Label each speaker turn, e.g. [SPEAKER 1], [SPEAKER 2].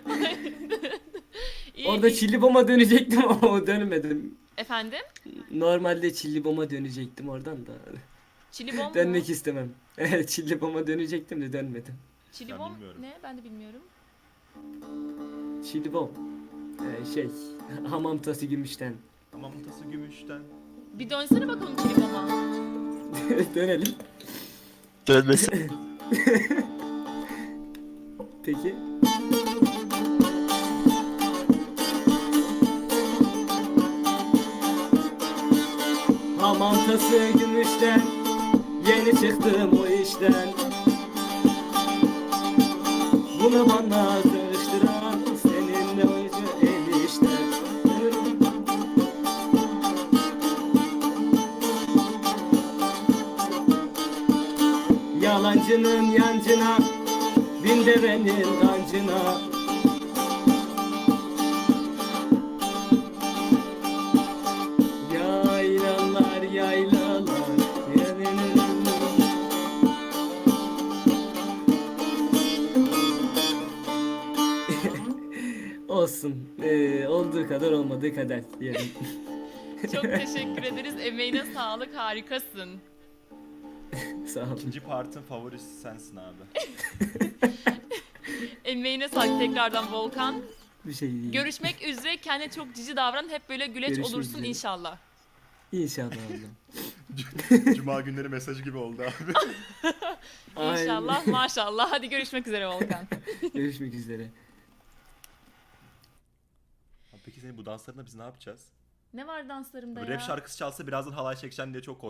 [SPEAKER 1] İyi,
[SPEAKER 2] Orada
[SPEAKER 1] iyi.
[SPEAKER 2] çilli bomba dönecektim ama dönmedim.
[SPEAKER 1] Efendim?
[SPEAKER 2] Normalde çilli bomba dönecektim oradan da.
[SPEAKER 1] Çilibom mu?
[SPEAKER 2] Dönmek istemem. Evet, çilli bomba dönecektim de dönmedim.
[SPEAKER 1] Çilibom
[SPEAKER 3] bilmiyorum.
[SPEAKER 1] ne? Ben de bilmiyorum.
[SPEAKER 2] Çilli bom. Şey, hamam tası gümüşten.
[SPEAKER 3] Hamam tası gümüşten.
[SPEAKER 1] Bir dönsene bakalım çiliboma.
[SPEAKER 2] Dönelim.
[SPEAKER 3] Dönmesin.
[SPEAKER 2] Peki. Hamam tası gümüşten, yeni çıktım o işten. Bunu bana karıştıran seninle acı enişten. Yalancının yancına, bin devenin dancına. Yaylalar yaylalar olsun. Olduğu kadar olmadığı kadar diyelim.
[SPEAKER 1] Çok teşekkür ederiz. Emeğine sağlık. Harikasın.
[SPEAKER 2] Sağ olun.
[SPEAKER 3] İkinci partın favorisi sensin abi.
[SPEAKER 1] Emeğine sağlık tekrardan Volkan.
[SPEAKER 2] Bir şey değil.
[SPEAKER 1] Görüşmek üzere. Kendine çok cici davran. Hep böyle güleç
[SPEAKER 2] Görüşmek
[SPEAKER 1] olursun
[SPEAKER 2] üzere.
[SPEAKER 1] inşallah.
[SPEAKER 2] İnşallah oğlum.
[SPEAKER 3] Cuma günleri mesajı gibi oldu abi.
[SPEAKER 2] Aynen.
[SPEAKER 1] İnşallah maşallah. Hadi görüşmek üzere Volkan.
[SPEAKER 2] Görüşmek üzere.
[SPEAKER 3] Abi peki senin bu danslarında biz ne yapacağız?
[SPEAKER 1] Ne var danslarımda
[SPEAKER 3] Rap
[SPEAKER 1] ya?
[SPEAKER 3] şarkısı çalsa birazdan halay çekeceğim diye çok